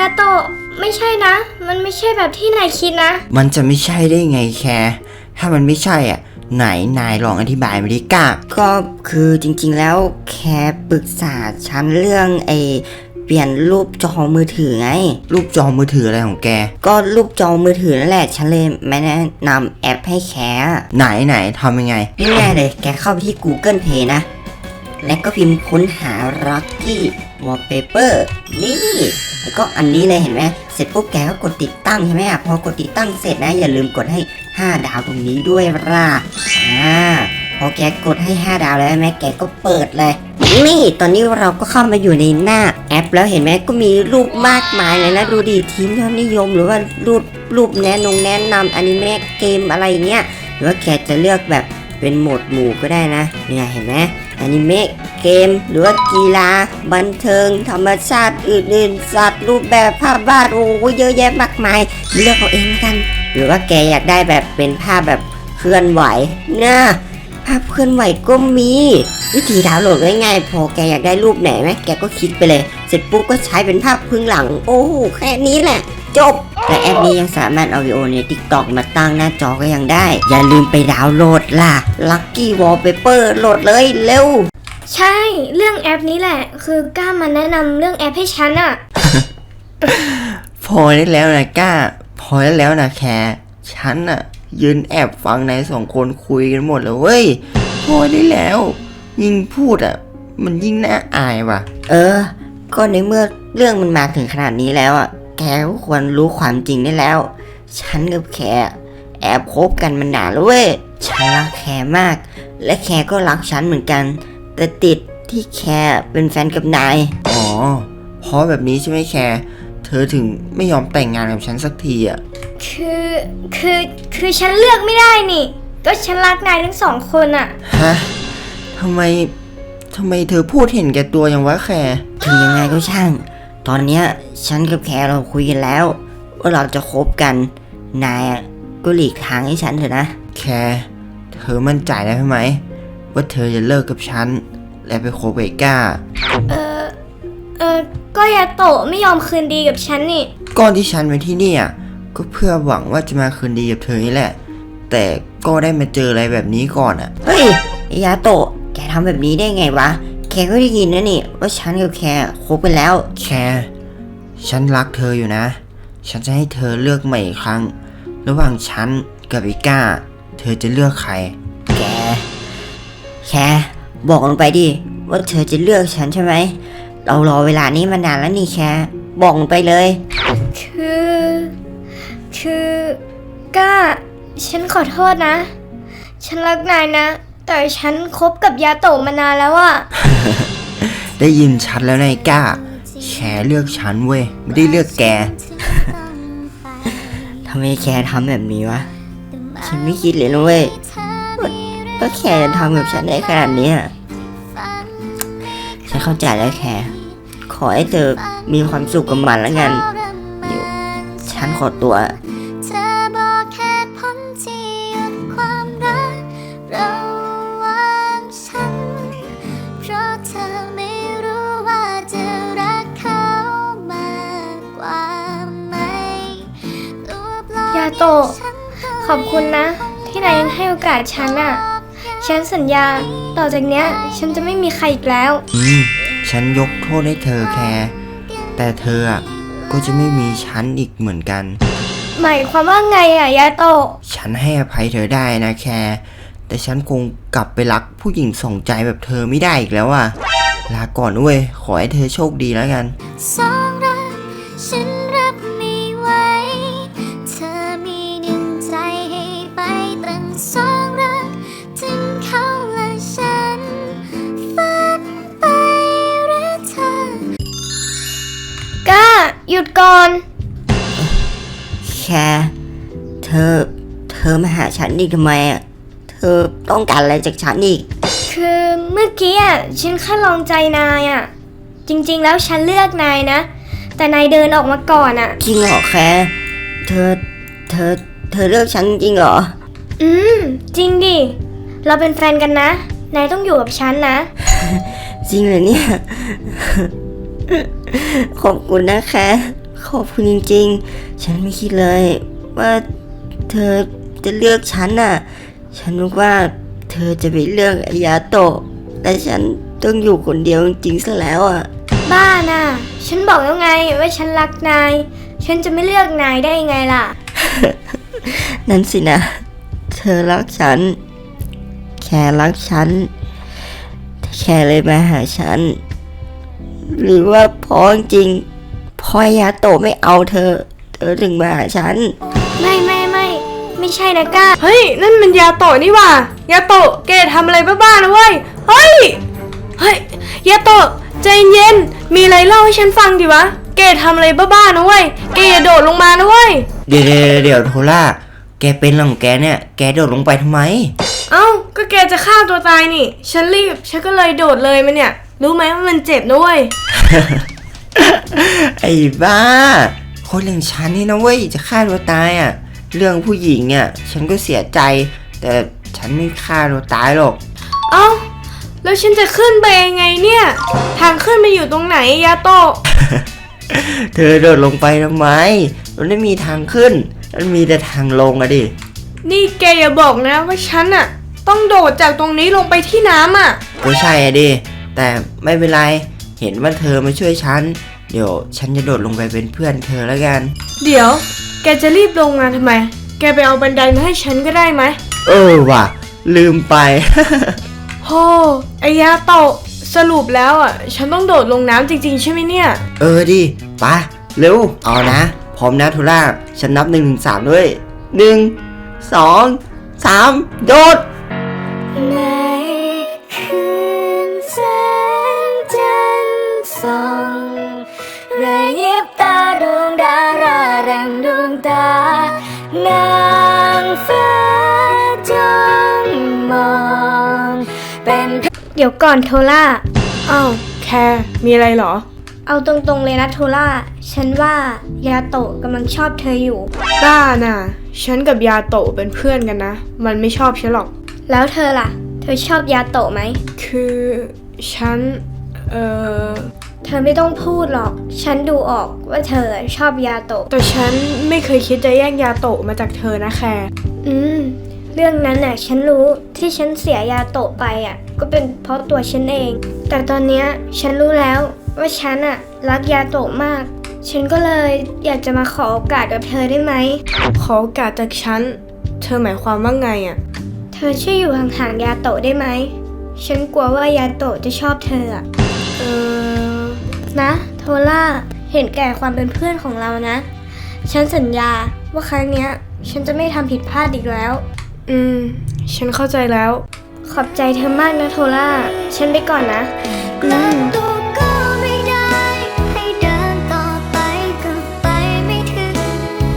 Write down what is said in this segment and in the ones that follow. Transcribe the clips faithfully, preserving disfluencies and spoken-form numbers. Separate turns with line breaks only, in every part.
าโตะไม่ใช่นะมันไม่ใช่แบบที่นายคิดนะ
มันจะไม่ใช่ได้ไงแคร์ถ้ามันไม่ใช่อ่ะไหนนายลองอธิบายมาดิก้า
ก็คือจริงๆแล้วแค่ปรึกษาฉันเรื่องไอเปลี่ยนรูปจอมือถือไง
รูปจอมือถืออะไรของแก
ก็รูปจอมือถือนั่นแหละฉันเลยไม่แนะนำแอปให้แคร์
ไหนไหนทำยังไง
ง่ายๆเลยแกเข้าไปที่ Google Play นะแล้วก็พิมพ์ค้นหา Lucky Wallpaper นี่แล้วก็อันนี้เลยเห็นไหมเสร็จปุ๊บแกก็กดติดตั้งใช่ไหมอ่ะพอกดติดตั้งเสร็จนะอย่าลืมกดให้ห้าดาวตรงนี้ด้วยล่ะอ่าพอแกกดให้ห้าดาวแล้วแม่แกก็เปิดเลยนี่ตอนนี้เราก็เข้ามาอยู่ในหน้าแอปแล้วเห็นไหมก็มีรูปมากมายเลยนะดูดิทีมยอดนิยมหรือว่ารูปรูปแนะนงแนะนำอนิเมะเกมอะไรเงี้ยหรือว่าแกจะเลือกแบบเป็นโหมดหมู่ก็ได้นะเนี่ยเห็นไหมอนิเมะเกมหรือว่ากีฬาบันเทิงธรรมชาติอื่นๆสัตว์รูปแบบภาพวาดโอ้เยอะแยะมากมายเลือกเอาเองกันหรือว่าแกอยากได้แบบเป็นภาพแบบเคลื่อนไหวนะภาพเคลื่อนไหวก็มีวิธีดาวน์โหลดง่ายๆพอแกอยากได้รูปไหนไหมแกก็คลิกไปเลยเสร็จปุ๊บก็ใช้เป็นภาพพื้นหลังโอ้โหแค่นี้แหละจบแต่แอปนี้ยังสามารถเอาวิดีโอใน TikTok มาตั้งหน้าจอก็ยังได้อย่าลืมไปดาวน์โหลดล่ะ Lucky Wallpaper โหลดเลยเร็ว
ใช่เรื่องแอปนี้แหละคือกล้ามาแนะนำเรื่องแอปให้ฉันอะ
พอได้แล้วนะก้าพอได้แล้วนะแคร์ฉันอะยืนแอบฟังนายสองคนคุยกันหมดเลยเว้ยพอได้แล้วยิ่งพูดอะมันยิ่งน่าอายว่ะ
เออก็ในเมื่อเรื่องมันมาถึงขนาดนี้แล้วอะแกก็ควรรู้ความจริงได้แล้วฉันกับแคร์แอบคบกันมานานแล้วเว้ยฉันรักแคร์มากและแคร์ก็รักฉันเหมือนกันแต่ติดที่แคร์เป็นแฟนกับนาย
อ๋อเพราะแบบนี้ใช่ไหมแคร์เธอถึงไม่ยอมแต่งงานกับฉันสักทีอ่ะ
คือคือคือฉันเลือกไม่ได้นี่ก็ฉันรักนายทั้งสองคนอ่ะ
ฮะทำไมทำไมเธอพูดเห็นแก่ตัวอย่างวะแคร์
ถึงยังไงก็ช่างตอนเนี้ยฉันกับแคร์เราคุยกันแล้วว่าเราจะคบกันนายก็หลีกทางให้ฉันเถอะนะ
แคร์เธอมั่นใจได้ไหมว่าเธอจะเลิกกับฉันและไปคบไอ้ก้า
เออเออก็ยาโตะไม่ยอมคืนดีกับฉันนี่
ก่อนที่ฉันมาที่นี่อ่ะก็เพื่อหวังว่าจะมาคืนดีกับเธอนี่แหละแต่ก็ได้มาเจออะไรแบบนี้ก่อนอ่ะ
เฮ้ยยาโตะแกทำแบบนี้ได้ไงวะแคร์ก็ได้ยินนะนี่ว่าฉันกับแคร์คบกันแล้ว
แคร์ฉันรักเธออยู่นะฉันจะให้เธอเลือกใหม่อีกครั้งระหว่างฉันกับไอ้ก้าเธอจะเลือกใคร
แกแคร์บอกลงไปดิว่าเธอจะเลือกฉันใช่ไหมเรารอเวลานี้มานานแล้วนี่แคร์บอกลงไปเลย
คือคือก้าฉันขอโทษนะฉันรักนายนะแต่ฉันคบกับยาโตะมานานแล้วอะ
ได้ยินชัดแล้วนายก้าแคร์เลือกฉันเว้ยไม่ได้เลือกแก
ทำไมแคร์ทำแบบนี้วะฉันไม่คิดเลยนะเว้ยว่าแคร์จะทำกับฉันได้ขนาดนี้ฉันเข้าใจแล้วแคร์ขอให้เธอมีความสุขกับมันแล้วกันเดี๋ยวฉันขอตัว
ยาโตะขอบคุณนะที่นายยังให้โอกาสฉันอ่ะฉันสัญญาต่อจากเนี้ยฉันจะไม่มีใครอีกแล้ว
อืมฉันยกโทษให้เธอแคร์แต่เธออ่ะก็จะไม่มีฉันอีกเหมือนกัน
หมายความว่าไงอ่ะยาโตะ
ฉันให้อภัยเธอได้นะแคร์แต่ฉันคงกลับไปรักผู้หญิงสองใจแบบเธอไม่ได้อีกแล้วอ่ะลาก่อนเว้ยขอให้เธอโชคดีแล้วกันสองรักฉันรับไม่ไหวเธอมีหนึ่งใจให้ไปตั้งสองรักถึงเขาและฉันฝันไปหรือเธอ
ก้าหยุดก่อน
แค่เธอเธอมาหาฉันอีกทำไมอ่ะเธอต้องการอะไรจากฉันอีก
คือเมื่อกี้อ่ะฉันแค่ลองใจนายอ่ะจริงๆแล้วฉันเลือกนายนะแต่นายเดินออกมาก่อนอ่ะ
จริงเหรอแค่เธอเธอเธอเลือกฉันจริงเหรอ
อืมจริงดิเราเป็นแฟนกันนะนายต้องอยู่กับฉันนะ
จริงเหรอเนี่ยขอบคุณนะแค่ขขอบคุณจริงๆ ฉันไม่คิดเลย ว่าเธอจะเลือกฉันน่ะ ฉันนึกว่าเธอจะไปเลือกอายาโตะแต่ฉันต้องอยู่คนเดียวจริงๆซะแล้วอ่ะ
บ้าน่ะ ฉันบอกแล้วไงว่าฉันรักนาย ฉันจะไม่เลือกนายได้ยังไงล่ะ
นั่นสินะ เธอรักฉัน แค่รักฉันแต่แค่เลยมาหาฉัน หรือว่าเพราะจริงๆพ่อยาโตะไม่เอาเธอ เธอถึงมาหาฉัน
ไม่ไม่ไม่ไม่ใช่นะก้า
เฮ้ย นั่นมันยาโตะนี่หว่ายาโตะแกทำอะไรบ้าๆนะเว้ย เฮ้ย เฮ้ย ยาโตะใจเย็น มีอะไรเล่าให้ฉันฟังดิวะ แกทำอะไรบ้าๆนะเว้ย แกอย่าโดดลงมานะเว้ย
เดี๋ยวเดี๋ยวเดี๋ยวโทล่าแกเป็นอะไรของแกเนี่ยแกโดดลงไปทำไม
เอ้า ก็แกจะฆ่าตัวตายนี่ ฉันรีบ ฉันก็เลยโดดเลยมันเนี่ย รู้ไหมว่ามันเจ็บนะเว้ย
ไอ้บ้าคนอย่างฉันนี่นะเว้ยจะฆ่าตัวตายอ่ะ เรื่องผู้หญิงเนี่ยฉันก็เสียใจ แต่ฉันไม่ฆ่าตัวตายหรอก
เอ้า แล้วฉันจะขึ้นไปยังไงเนี่ย ทางขึ้นมันอยู่ตรงไหนยาโตะ
เธอโดดลงไปทำไมมันไม่มีทางขึ้น มันมีแต่ทางลงอะดิ
นี่แกอย่าบอกนะว่าฉันอะต้องโดดจากตรงนี้ลงไปที่น้ำอะ
ก็ใช่อะดิแต่ไม่เป็นไรเห็นว่าเธอมาช่วยฉันเดี๋ยวฉันจะโดดลงไปเป็นเพื่อนเธอแล้วกัน
เดี๋ยว แกจะรีบลงมาทำไม แกไปเอาบันไดมาให้ฉันก็ได้ไหม
เออว่ะลืมไป
โธ่ไอ้ยาโตะสรุปแล้วอะฉันต้องโดดลงน้ำจริงๆใช่ไหมเนี่ย
เออดิไปะเร็วเอานะพร้อมนะทุล่าฉันนับหนึ่งถึงสามด้วยหนึ่งสองสามโดด
ในคืนแสงจันทร์ส่องระยิบตาดวงดาราแรงดวงตานางฟ้าจ้องมองเป็นเดี๋ยวก่อนโทล่า
อ้าวแคร์มีอะไรเหรอ
เอาตรงๆเลยนะโทล่า ฉันว่ายาโตะกำลังชอบเธออยู่
บ้าน่ะ ฉันกับยาโตะเป็นเพื่อนกันนะ มันไม่ชอบฉันหรอก
แล้วเธอล่ะ เธอชอบยาโตะไหม
คือฉัน เอ่อ
เธอไม่ต้องพูดหรอก ฉันดูออกว่าเธอชอบยาโตะ
แต่ฉันไม่เคยคิดจะแย่งยาโตะมาจากเธอนะแคร์
อืม เรื่องนั้นน่ะ ฉันรู้ที่ฉันเสียยาโตะไปอ่ะ ก็เป็นเพราะตัวฉันเอง แต่ตอนเนี้ยฉันรู้แล้วว่าฉันอ่ะรักยาโตะมาก ฉันก็เลยอยากจะมาขอโอกาสกับเธอได้ไหม
ขอโอกาสจากฉัน เธอหมายความว่าไงอะ
เธอช่วยอยู่ห่างๆยาโตะได้ไหม ฉันกลัวว่ายาโตะจะชอบเธออะ
เออ
นะโทล่า เห็นแก่ความเป็นเพื่อนของเรานะ ฉันสัญญาว่าครั้งเนี้ย ฉันจะไม่ทำผิดพลาดอีกแล้ว
อืม ฉันเข้าใจแล้ว
ขอบใจเธอมากนะโทล่า ฉันไปก่อนนะ อืม
ตัวก็ไม่ได้ให้เดินต่อไปก็ไปไม่ถึง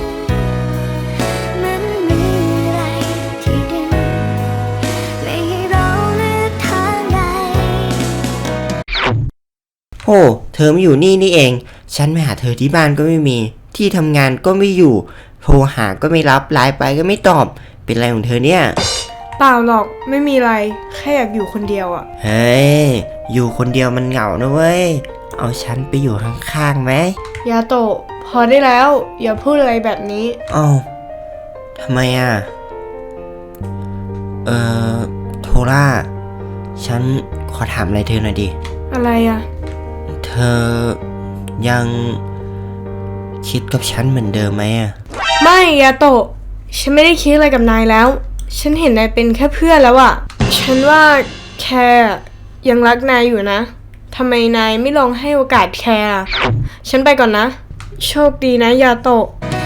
มันมีอะไรที่ดึงไม่ให้เราเลือกทางใด
โหเธอไม่อยู่นี่นี่เอง ฉันไปหาเธอที่บ้านก็ไม่มี ที่ทำงานก็ไม่อยู่ โทรหาก็ไม่รับ ไลน์ไปก็ไม่ตอบ เป็นไรของเธอเนี่ย
เปล่าหรอก ไม่มีอะไร แค่อยากอยู่คนเดียวอะ
เฮ้ย อยู่คนเดียวมันเหงานะเว้ย เอาฉันไปอยู่ข้างๆไหม
ยาโตะพอได้แล้ว อย่าพูดอะไรแบบนี้
เอ้าทำไมอ่ะ เอ่อ โทล่า ฉันขอถามอะไรเธอหน่อยดิ
อะไรอะ
เธอยังคิดกับฉันเหมือนเดิมไหมอ่ะ
ไม่ยาโตะฉันไม่ได้คิดอะไรกับนายแล้ว ฉันเห็นนายเป็นแค่เพื่อนแล้วอะฉันว่าแคร์ยังรักนายอยู่นะทำไมนายไม่ลองให้โอกาสแคร์อะฉันไปก่อนนะ โชคดีนะยาโตะ